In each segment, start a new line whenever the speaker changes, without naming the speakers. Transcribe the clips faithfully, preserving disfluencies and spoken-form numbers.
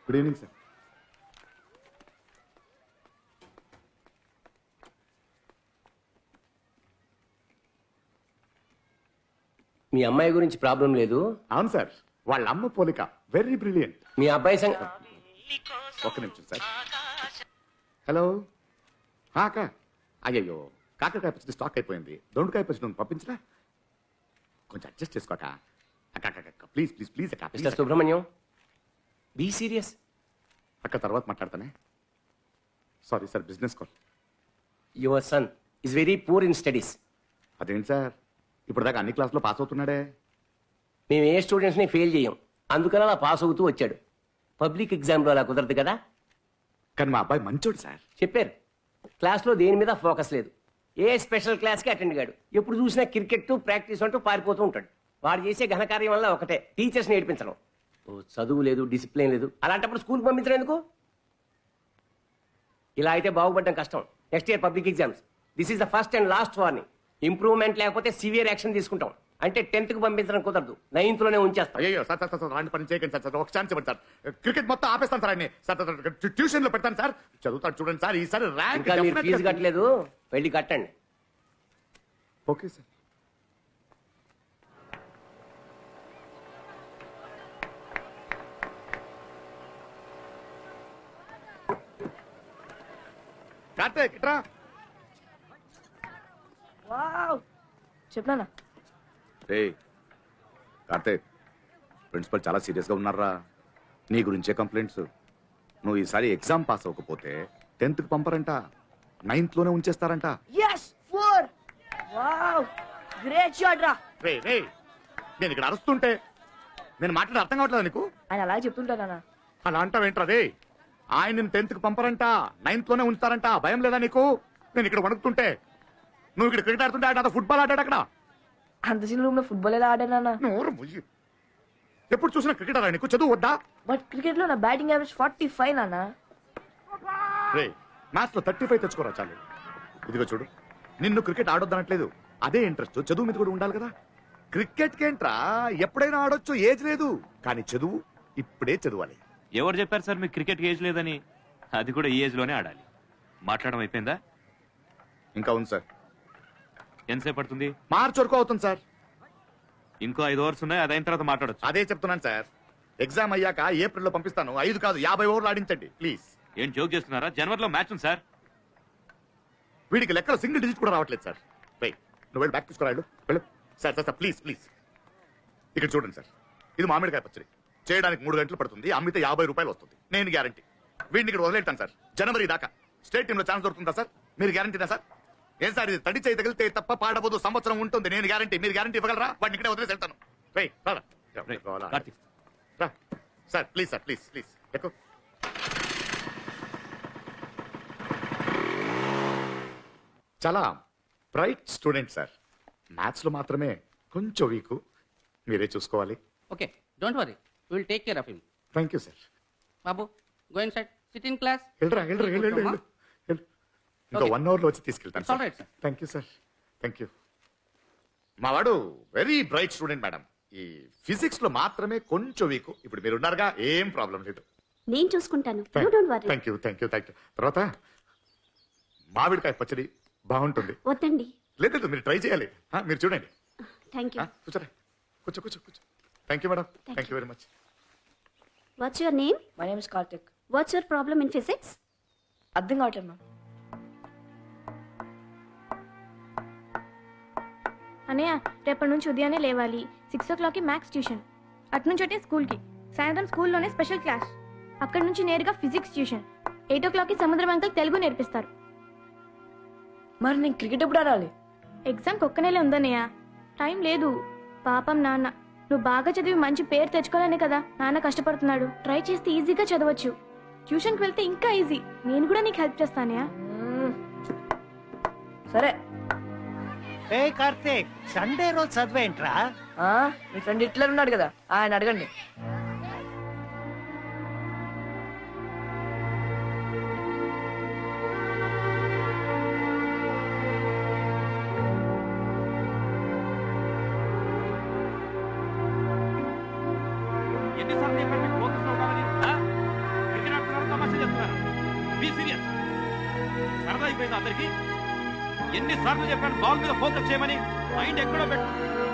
Good evening sir.
మీ అమ్మాయి గురించి problem లేదు?
అవును సార్, వాళ్ళ అమ్మ పోలిక వెరీ బ్రిలియంట్.
మీ అబ్బాయి సంగ
ఒక్క నిమిషం సార్. హలో అక్క. అయ్యయ్యో, కాకరకాయ పచ్చడి స్టాక్ అయిపోయింది. దొండకాయ పచ్చడి నువ్వు పంపించరా? కొంచెం అడ్జస్ట్ చేసుకోక అక్క. అక్క ప్లీజ్ ప్లీజ్ ప్లీజ్ అక్క.
Mister Subrahmanyam, be serious.
అక్క తర్వాత మాట్లాడతానే. Sorry sir, business call.
Your son is very poor in studies.
అదేంటి సార్, ఇప్పుడు దాకా అన్ని క్లాసులో పాస్ అవుతున్నాడే.
మేము ఏ స్టూడెంట్స్ని ఫెయిల్ చేయం, అందుకని అలా పాస్ అవుతూ వచ్చాడు. పబ్లిక్ ఎగ్జామ్లో అలా కుదరదు కదా.
కానీ మా అబ్బాయి మంచోడు సార్.
చెప్పారు, క్లాస్లో దేని మీద ఫోకస్ లేదు. ఏ స్పెషల్ క్లాస్కి అటెండ్ కాడు. ఎప్పుడు చూసినా క్రికెట్ ప్రాక్టీస్ అంటూ పారిపోతూ ఉంటాడు. వాడు చేసే ఘనకార్యం వల్ల ఒకటే, టీచర్స్ నేర్పించడం. ఓ చదువు లేదు, డిసిప్లిన్ లేదు. అలాంటప్పుడు స్కూల్కి పంపించడం ఎందుకు? ఇలా అయితే బాగుపడడం కష్టం. Next year public exams. This is the first and last warning. Improvement లేకపోతే సివియర్ యాక్షన్ తీసుకుంటాం. అంటే టెన్త్ కు పంపించడం కుదరదు, నైన్త్ లోనే ఉంచేస్తాం.
అయ్యో సార్ సార్ సార్ అలాంటి పని చేయకండి సార్. సార్ ఒక ఛాన్స్ ఇవ్వండి సార్. క్రికెట్ మొత్తం ఆపేస్తాను సార్ అన్ని. సార్ ట్యూషన్ లో పెడతాను సార్. చదువుతాడు చూడండి సార్. ఈసారి ర్యాంక్.
ఇంకా మీరు ఫీజు కట్టలేదు, వెళ్ళి కట్టండి.
Okay sir. కార్తీక్ ఇట్రా.
వావ్, చెప్పనా?
ఏయ్ కార్తీక్, ప్రిన్సిపల్ చాలా సీరియస్ గా ఉన్నారా? నీ గురించే కంప్లైంట్స్. నువ్వు ఈసారి ఎగ్జామ్ పాస్ అవ్వకపోతే టెన్త్ కి పంపరంట, నైన్త్ లోనే ఉంచేస్తారంట.
yes four. Wow, great shot రా.
రే రే, నేను ఇక్కడ అరుస్తుంటే నేను మాట్లాడే అర్థం కావట్లేదు నీకు?
ఆయన అలాగే చెప్తుంటానా?
అలా అంటావేంట్రా? రే, ఆయన నేను టెన్త్ కి పంపరంట, నైన్త్ లోనే ఉంచుతారంట. భయం లేదా నీకు? నేను ఇక్కడ వణుకుతుంటే, నువ్వు ఇక్కడ క్రికెట్ ఆడుతుంటే ఆయన ఫుట్బాల్ ఆడాడు అక్కడ.
అంత చిన్న రూమ్ లో ఫుట్బాల్ ఎలా ఆడానా?
నోరు ముయ్యి. ఎప్పుడు చూసినా క్రికెట్ ఆడా నీకు? చదువు వద్దా?
బట్ క్రికెట్ లో నా బ్యాటింగ్ యావరేజ్ ఫార్టీ ఫైవ్ నానా.
రే, మ్యాచ్ లో థర్టీ ఫైవ్ తెచ్చుకోరా చాలు. ఇదిగో చూడు, నిన్ను క్రికెట్ ఆడొద్దనట్లేదు. అదే ఇంట్రెస్ట్ చదువు మీద కూడా ఉండాలి కదా. క్రికెట్ కేంట్రా, ఎప్పుడైనా ఆడొచ్చు, ఏజ్ లేదు. కానీ చదువు ఇప్పుడే చదవాలి.
ఎవరు చెప్పారు సార్ మీకు క్రికెట్ ఏజ్ లేదని? అది కూడా ఈ ఏజ్ లోనే ఆడాలి. మాట్లాడడం అయిపోయిందా?
ఇంకా ఉంది సార్.
ఎంతసేపు పడుతుంది?
మార్చి వరకు అవుతుంది సార్.
ఇంకో ఐదు ఓవర్స్ ఉన్నాయి, అది అయిన తర్వాత మాట్లాడచ్చు.
అదే చెప్తున్నాను సార్. ఎగ్జామ్ అయ్యాక ఏప్రిల్ లో పంపిస్తాను. ఐదు కాదు యాభై ఓవర్లు ఆడించండి ప్లీజ్.
ఏం జోక్ చేస్తున్నారా? జనవరిలో మ్యాచ్ ఉంది సార్.
వీడికి లెక్కలో సింగిల్ డిజిట్ కూడా రావట్లేదు సార్. రై, నువ్వు వెళ్ళి బ్యాక్ తీసుకురాడు వెళ్ళు. Sir sir sir please please. ఇక్కడ చూడండి సార్, ఇది మామిడికాయ పచ్చడి. చేయడానికి మూడు గంటలు పడుతుంది, అమ్మితే యాభై రూపాయలు వస్తుంది. నేను గ్యారంటీ. వీడిని ఇక్కడ వదిలేటాను సార్. జనవరి దాకా స్టేట్ టీమ్ లో ఛాన్స్ దొరుకుతుందా సార్? మీరు గ్యారంటీనా సార్? ఏం సార్ ఇది? తడి చేయి తగిలితే తప్ప పాడబోదు, సంవత్సరం ఉంటుంది. నేను గ్యారంటీ. మీరు గ్యారంటీ ఇవ్వగలరా? వాడిని ఇక్కడే వదిలేసి వెళ్తాను. రై
కార్తీక్.
రా sir, please sir, please please ఎక్కువ. చాలా బ్రైట్ స్టూడెంట్ సార్. మ్యాథ్స్ లో మాత్రమే కొంచెం వీక్. మీరే చూసుకోవాలి.
Okay, don't worry. We will take care of him.
Thank you sir.
Babu, go inside. Sit in class.
వెళ్ళరా వెళ్ళరా వెళ్ళు వెళ్ళు వెళ్ళు. ఇంకా వన్ అవర్ లో వచ్చి తీసుకెళ్తాను
It's all right, sir.
Thank you sir. Thank you. మా వాడు వెరీ బ్రైట్ స్టూడెంట్ మేడం. ఈ ఫిజిక్స్ లో మాత్రమే కొంచెం వీక్. ఇప్పుడు మీరు ఉన్నారుగా, ఏం ప్రాబ్లం లేదు.
నేను చూసుకుంటాను. You don't worry.
Thank you thank you thank you. తర్వాత మామిడికాయ పచ్చడి బాగుంటుంది.
వద్దండి.
లేదు లేదు, మీరు ట్రై చేయాలి. ఆ, మీరు చూడండి.
Thank you.
ఆ, కూర్చోరా, కూర్చో కూర్చో కూర్చో. Thank you madam. Thank you very much.
What's your name?
My name is Karthik.
What's your problem in physics?
అర్థం కావట్లేదు మ్యామ్.
అన్నయ్య, రేపటి నుంచి ఉదయాన్నే లేవాలి. సిక్స్ ఓ క్లాక్కి మ్యాథ్స్ ట్యూషన్, అటు నుంచి ఒకటే స్కూల్కి, సాయంత్రం స్కూల్లోనే స్పెషల్ క్లాస్, అక్కడి నుంచి నేరుగా ఫిజిక్స్ ట్యూషన్. ఎయిట్ ఓ క్లాక్కి సముద్రం అంకల్ తెలుగు నేర్పిస్తారు.
మరి నేను క్రికెట్ ఎప్పుడు ఆడాలి?
ఎగ్జామ్కి ఒక్క నెలే ఉందన్నయ్య, టైం లేదు. పాపం నాన్న, నువ్వు బాగా చదివి మంచి పేరు తెచ్చుకోవాలనే కదా నాన్న కష్టపడుతున్నాడు. ట్రై చేస్తే ఈజీగా చదవచ్చు. ట్యూషన్కి వెళ్తే ఇంకా ఈజీ. నేను కూడా నీకు హెల్ప్ చేస్తానయ్యా.
సరే.
ఏ కార్తీక్, సండే రోజు చదివేంట్రా?
ఆ, మీ ఫ్రెండ్ హిట్లర్ ఉన్నాడు కదా, ఆయన అడగండి.
ఎన్నిసార్లు చెప్పాను మీకు ఫోకస్ లో ఉండాలని? ఆ? Be serious. సరదా అయిపోయింది అందరికి. ఎన్ని సార్లు చెప్పాను బాల్ మీద ఫోకస్ చేయమని, మైండ్ ఎక్కడో పెట్టు.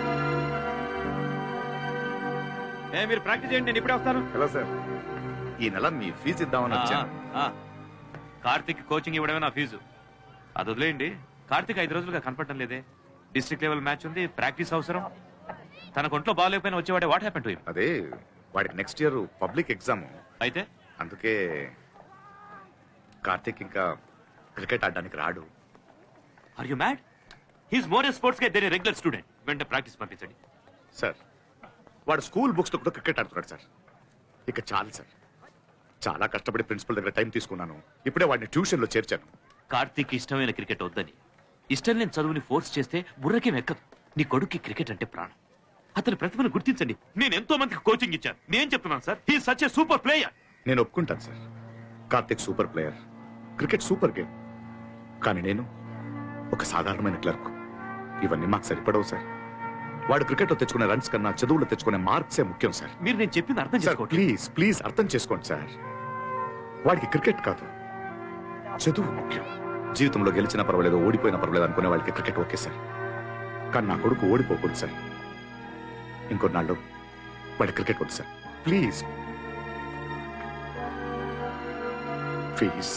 ఏ మీరు ప్రాక్టీస్ చేయండి, నేను ఇప్పుడే వస్తాను.
హలో సార్, ఈ నెల మీ ఫీజు ఇద్దామని వచ్చాను.
కార్తిక్ కోచింగ్ ఇవ్వడమే నా ఫీజు. అది వదిలేయండి. కార్తిక్ ఐదు రోజులుగా కనపడటం లేదే. డిస్ట్రిక్ట్ లెవెల్ మ్యాచ్ ఉంది, ప్రాక్టీస్ అవసరం. తన ఒంట్లో బాగాలేకపోయినా వచ్చేవాడే. What happen to him?
అదే వాడికి నెక్స్ట్ ఇయర్ పబ్లిక్ ఎగ్జామ్,
అయితే
అందుకే కార్తీక్ ఇంకా క్రికెట్ ఆడడానికి రాడు.
Are you mad? He's more a sports గా దేర్ రెగ్యులర్ స్టూడెంట్. వెంటనే ప్రాక్టీస్ పంపించండి.
సార్ వాడు స్కూల్ బుక్స్ తో కూడా క్రికెట్ ఆడుతున్నాడు సార్. ఇక చాలు సార్, చాలా కష్టపడి ప్రిన్సిపల్ దగ్గర టైం తీసుకున్నాను. ఇప్పుడే వాడిని ట్యూషన్ లో చేర్చాను.
కార్తీక్ ఇష్టమైన క్రికెట్ వద్దని, ఇష్టం లేని చదువుని ఫోర్స్ చేస్తే బుర్రకేం ఎక్కదు. నీ కొడుక్కి క్రికెట్ అంటే ప్రాణం. అతని ప్రతిభను గుర్తించండి. నేను ఎంతో మందికి కోచింగ్ ఇచ్చాను. నేను చెప్తున్నాను sir, he such a super player.
నేను ఒప్పుకుంటాను sir, Karthik super player, cricket super game. కానీ నేను ఒక సాధారణమైన క్లర్క్. ఇవన్నీ మాకు సరిపడవు సార్. వాడు క్రికెట్ లో తెచ్చుకునే రన్స్ కన్నా చదువులో తెచ్చుకునే మార్క్సే ముఖ్యం సార్.
మీరు నేను చెప్పింది అర్థం
సార్
చేసుకోండి.
ప్లీజ్ ప్లీజ్ అర్థం చేసుకోండి సార్. వాడికి క్రికెట్ కాదు, చదువు ముఖ్యం. జీవితంలో గెలిచినా పర్వాలేదు, ఓడిపోయినా పర్వాలేదు అనుకునే వాళ్ళకి క్రికెట్ ఓకే సార్. కానీ నా కొడుకు ఓడిపోకూడదు సార్. ఇంకొన్నాళ్ళు వాడి క్రికెట్ వద్దు సార్. Please please.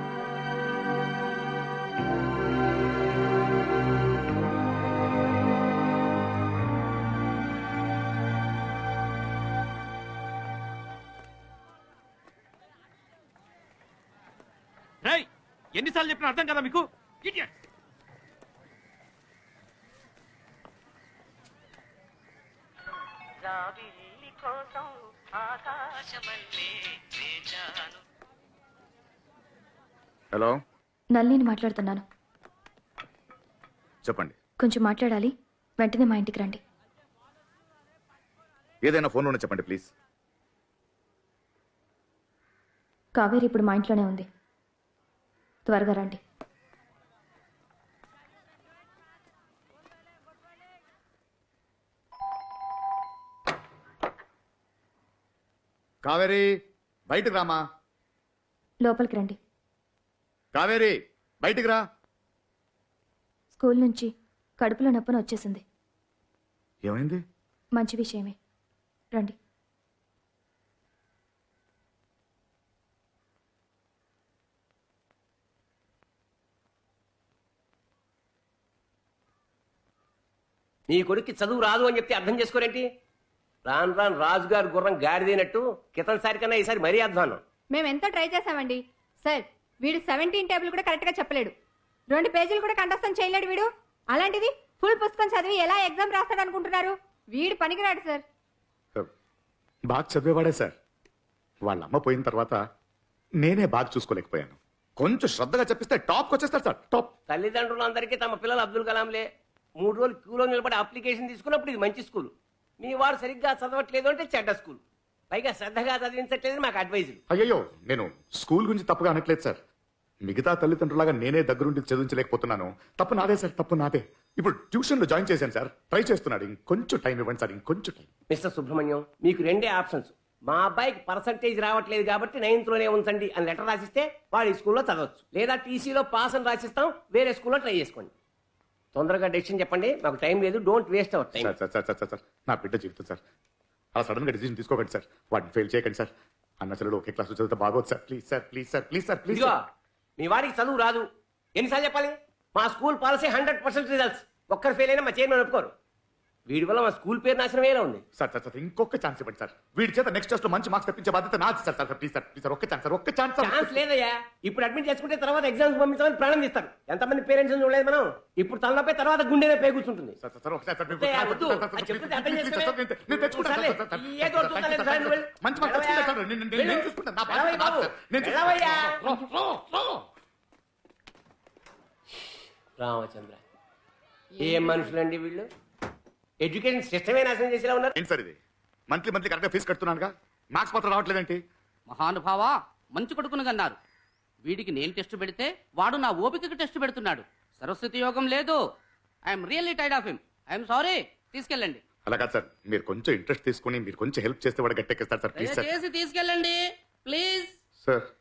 రేయ్, ఎన్నిసార్లు చెప్పినా అర్థం కదా మీకు? Idiot.
హలో,
నల్లిని మాట్లాడుతున్నాను.
చెప్పండి.
కొంచెం మాట్లాడాలి, వెంటనే మా ఇంటికి రండి.
ఏదైనా ఫోన్లోనే చెప్పండి ప్లీజ్.
కావేరి ఇప్పుడు మా ఇంట్లోనే ఉంది, త్వరగా రండి.
కావేరి బయటకు రామా.
లోపలికి రండి.
కావేరి బయటికి రా.
స్కూల్ నుంచి కడుపులో నొప్పని వచ్చేసింది.
ఏమైంది?
మంచి విషయమే, రండి.
నీ కొడుక్కి చదువు రాదు అని చెప్తే అర్థం చేసుకోరేంటి? రాను రాను రాజుగారు గుర్రం గాడిదైనట్టు క్రితంసారి కన్నా ఈసారి మరీ అధ్వానం.
మేము ఎంతో ట్రై చేసామండి సార్. వీడు సెవెంటీన్ టేబుల్ కూడా కరెక్ట్ గా చెప్పలేడు, రెండు పేజీలు కూడా కంఠస్థం చేయలేడు వీడు. అలాంటిది ఫుల్ పుస్తకం చదివి ఎలా ఎగ్జామ్ రాస్తాడు అనుకుంటున్నారు? వీడు పనికిరాడు సార్.
బాగా చదివేవాడే సార్. వాళ్ళ అమ్మ పోయిన తర్వాత నేనే బాగా చూసుకోలేకపోయాను. కొంచెం శ్రద్ధగా చెప్పిస్తే టాప్కి వచ్చేస్తారు సార్, టాప్.
తల్లిదండ్రులందరికీ తమ పిల్లలు అబ్దుల్ కలాంలే. మూడు రోజులు క్యూలో నిలబడి అప్లికేషన్ తీసుకున్నప్పుడు ఇది మంచి స్కూల్, మీ వాడు సరిగ్గా చదవట్లేదు అంటే చెడ్డ స్కూల్, పైగా శ్రద్ధగా చదివించట్లేదు మాకు అడ్వైజులు.
అయ్యో, నేను స్కూల్ గురించి తప్పుగా అనట్లేదు సార్. మిగతా తల్లిదండ్రులాగా నేనే దగ్గరుండి చదివించలేకపోతున్నాను. తప్పు నాదే సార్, తప్పు నాదే. ఇప్పుడు ట్యూషన్ లో జాయిన్ చేశాను సార్, ట్రై చేస్తున్నాడు. ఇంకొంచెం టైం ఇవ్వండి సార్, ఇంకొంచెం టైం.
మిస్టర్ సుబ్రహ్మణ్యం, మీకు రెండే ఆప్షన్స్. మా అబ్బాయికి పర్సంటేజ్ రావట్లేదు కాబట్టి నైన్త్ లోనే ఉంచండి అని లెటర్ రాసిస్తే వాడు ఈ స్కూల్లో చదవచ్చు, లేదా టీసీలో పాస్ అని రాసిస్తాం, వేరే స్కూల్లో ట్రై చేసుకోండి. తొందరగా డెసిషన్ చెప్పండి, మాకు టైం లేదు. Don't waste our time.
Sir sir sir sir sir నా బిడ్డ జీవితం సార్, అలా సడన్ గా డిసిజన్ తీసుకోకండి సార్. వాటిని ఫెయిల్ చేయకండి సార్. అన్న చెల్లెలు ఒకే క్లాస్ చదివితే బాగోదు sir. Please sir, please sir, please sir, please.
ఇదిగో, మీ వాడికి చదువు రాదు ఎన్నిసార్లు చెప్పాలి? మా school policy hundred percent results. ఒక్కరు ఫెయిల్ అయినా మా చైర్మన్ ఒప్పుకోరు. వీడి వల్ల మా స్కూల్ పేరు నాశనమేలా ఉంది.
సార్ సార్ సార్ ఇంకొక ఛాన్స్ ఇవ్వండి సార్. వీడి చేత నెక్స్ట్ టెస్ట్ లో మంచి మార్క్స్ తెప్పించే బాధ్యత నాది sir. Sir please sir, please sir, ఒక్క ఛాన్స్ సార్, ఒక్క ఛాన్స్ సార్.
ఛాన్స్ లేదయ్యా. ఇప్పుడు అడ్మిట్ చేసుకుంటే తర్వాత ఎగ్జామ్స్ పంపించమని ప్రాణం తీస్తారు. ఎంతమంది పేరెంట్స్ చూడలేదు మనం. ఇప్పుడు తలనొప్పి తర్వాత గుండెనే పే కూర్చుంటుంది.
సార్ సార్ ఒకసారి సార్,
వద్దే, వద్దు. అది చెప్తే అర్థం చేసుకోవే.
నేను తెచ్చుకుంటాను
సర్లే,
సార్, సార్,
ఏదో ఒకటి చూద్దాం, లేదు సార్, నువ్వు
మంచి మార్క్స్ తెచ్చుకుంటాను సార్. నేను- నేను- నేను చూసుకుంటాను. నా బాధ్యత
వెళ్ళవయ్యా
నాది సార్. నేను చూసుకుంటాను.
వెళ్ళవయ్యా.
రో, రో, రో.
రామచంద్ర, ఏ మనుషులండి వీళ్ళు? ఎడ్యుకేషన్ సిస్టమే నాశనం చేసేలా ఉన్నారు.
ఏంటి సార్ ఇది? మంత్లీ మంత్లీ కరెక్ట్గా ఫీజు కడుతున్నానుగా, మార్క్స్ మాత్రం రావట్లేదేంటి?
మహానుభావా, మంచి కొడుకును కన్నారు. వీడికి నేను టెస్ట్ పెడితే వాడు నా ఓపికకి టెస్ట్ పెడుతున్నాడు. సరస్వతి యోగం లేదు. I'm really tired of him. I'm sorry. తీసుకెళ్ళండి.
అలా కాదు సార్, మీరు కొంచెం ఇంట్రెస్ట్ తీసుకుని మీరు కొంచెం హెల్ప్ చేస్తే వాడు గట్టెక్కిస్తారు సార్. Please sir.
దయచేసి తీసుకెళ్ళండి ప్లీజ్.
సార్